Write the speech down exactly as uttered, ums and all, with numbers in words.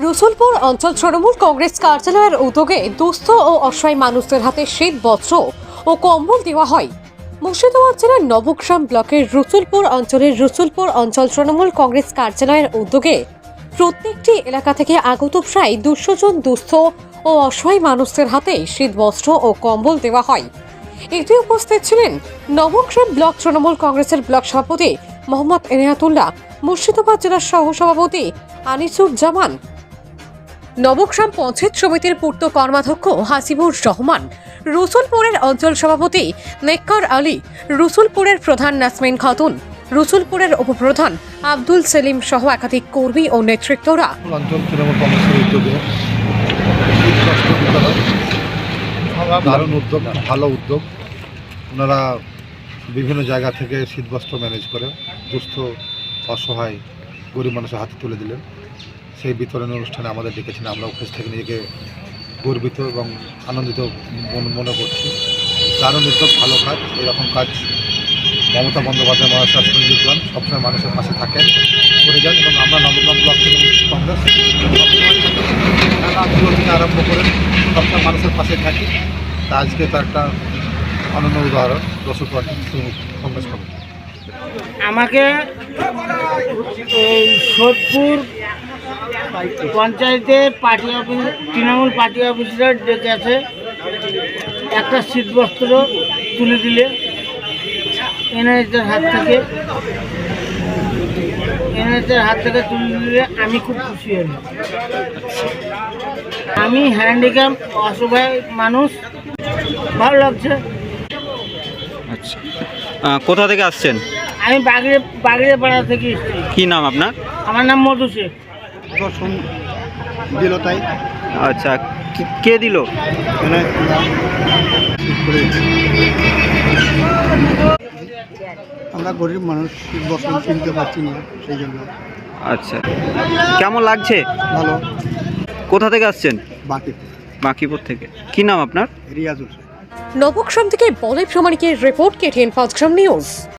রসুলপুর অঞ্চল তৃণমূল কংগ্রেস কার্যালয়ের উদ্যোগে দুস্থ ও অসহায় মানুষদের হাতে শীত বস্ত্র ও কম্বল দেওয়া হয়। মুর্শিদাবাদ জেলার নবগ্রাম ব্লকের রসুলপুর অঞ্চলের রসুলপুর অঞ্চল তৃণমূল কংগ্রেস কার্যালয়ের উদ্যোগে প্রত্যেকটি এলাকা থেকে আগত প্রায় দুশো জন দুস্থ ও অসহায় মানুষদের হাতে শীত বস্ত্র ও কম্বল দেওয়া হয়। এতে উপস্থিত ছিলেন নবগ্রাম ব্লক তৃণমূল কংগ্রেসের ব্লক সভাপতি মোহাম্মদ এনায়াতুল্লাহ, মুর্শিদাবাদ জেলার সহসভাপতি আনিসুজ্জামান, নবগ্রাম পঞ্চায়েত সমিতির পূর্ত কর্মাধ্যক্ষ হাসিবুর রহমান, রসুলপুরের অঞ্চল সভাপতি নেকর আলী, রসুলপুরের প্রধান নাসমিন খাতুন, রসুলপুরের উপপ্রধান আব্দুল সেলিম সহ একাধিক কর্মী ও নেতৃত্বরা। অঞ্চল তৃণমূল কংগ্রেসের উদ্যোগে দারুণ উদ্যোগ, ভালো উদ্যোগ। ওনারা বিভিন্ন জায়গা থেকে শীতবস্ত্র ম্যানেজ করে দুস্থ অসহায় গরিব মানুষের হাতে তুলে দিলেন। সেই বিতরণ অনুষ্ঠানে আমাদের ডেকেছেন, আমরা উপস্থিত থেকে নিজেকে গর্বিত এবং আনন্দিত মনে করছি। দারুণ উদ্যোগ, ভালো কাজ। এরকম কাজ মমতা বন্দ্যোপাধ্যায় মহাশয় সঞ্জীব যান সবসময় মানুষের পাশে থাকেন, করে যান এবং আমরা নবগ্রাম ব্লক তৃণমূল কংগ্রেস আন্দোলন থেকে আরম্ভ করে সবসময় মানুষের পাশে থাকি। তা আজকে তো একটা অনন্য উদাহরণ রসুলপুর কংগ্রেস কমিটি। আমাকে এই সোদপুর পঞ্চায়েতের পার্টি অফিস তৃণমূল পার্টি অফিসরা ডেকে আছে, একটা শীতবস্ত্র তুলে দিলে এনআইএসের হাত থেকে এনআইএসের হাত থেকে তুলে দিলে আমি খুব খুশি হই। আমি হ্যান্ডিক্যাপ অসহায় মানুষ, ভালো লাগছে। আচ্ছা, কোথা থেকে আসছেন? আমি বাগড়ে বাগড়ে পাড়া থেকে এসেছি। কি নাম আপনার? আমার নাম মধু শেখ। দিল তাই। আচ্ছা, কি- কে দিল? আমরা গরিব মানুষ, শীতবস্ত্র কিনতে পারছি না, সেই জন্য। আচ্ছা, কেমন লাগছে? ভালো। কোথা থেকে আসছেন? বাকি বাঁকিপুর থেকে। কি নাম আপনার? রিয়াজুল। নবগ্রাম থেকে বলে প্রমাণিকের রিপোর্ট, কেটিএন পাঁচগ্রাম নিউজ।